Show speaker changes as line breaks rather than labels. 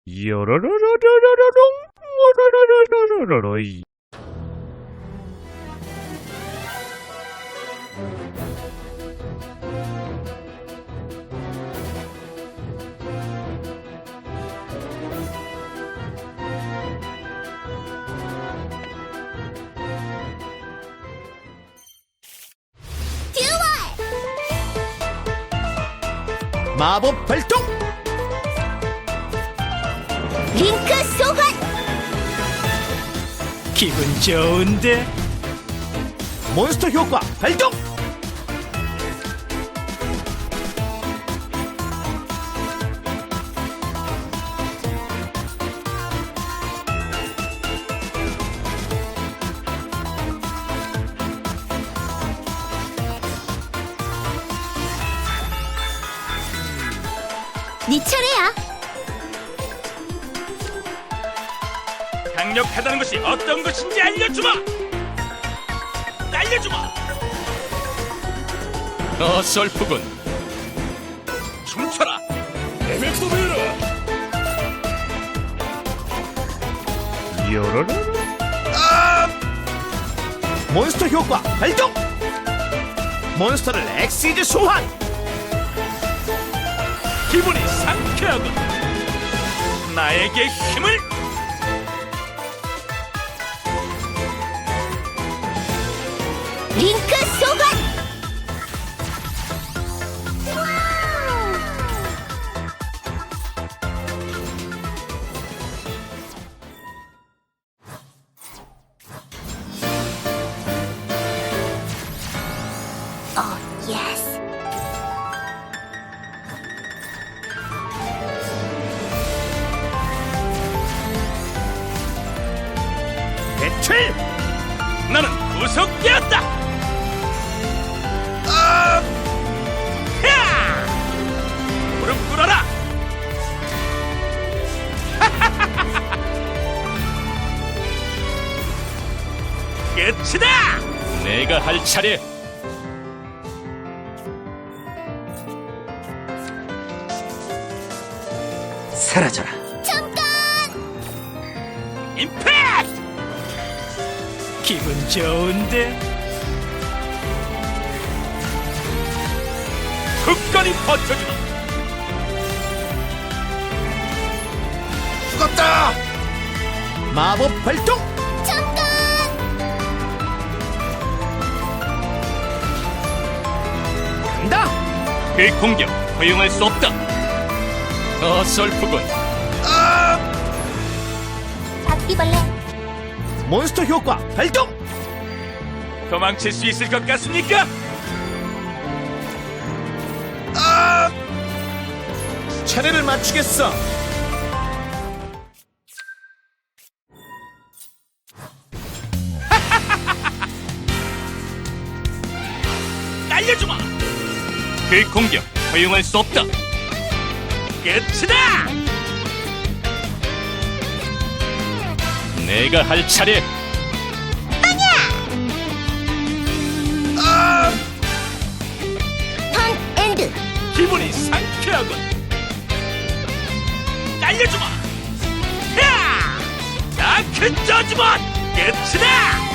요로로로로로롱 오로로로로로로이.
마법 발동!
링크 소환!
기분 좋은데?
몬스터 효과 발동!
네 차례야.
강력하다는 것이 어떤 것인지 알려주마! 알려주마! 어설프군. 춤춰라! 에펙소베라! 요로로?
몬스터 효과 발동! 몬스터를 엑시즈 소환!
기분이 상쾌하군. 나에게 힘을!
링크 소환! 오, 예스.
배틀!
나는 구속되었다! 야! 무릎 꿇어라! 끝이다! 내가 할 차례!
사라져라!
잠깐!
임팩트! 기분 좋은데? 굳건히 버텨주마!
죽었다! 마법 발동!
잠깐!
간다!
그 공격 허용할 수 없다! 어설프군.
바퀴벌레.
몬스터 효과 발동!
도망칠 수 있을 것 같습니까?
차례를 맞추겠어!
날려주마! 그 공격 허용할 수 없다! 끝이다! 내가 할 차례!
턴 엔드.
기분이 상쾌하군! 날려주마! 야! 다크 저지먼! 끝이다!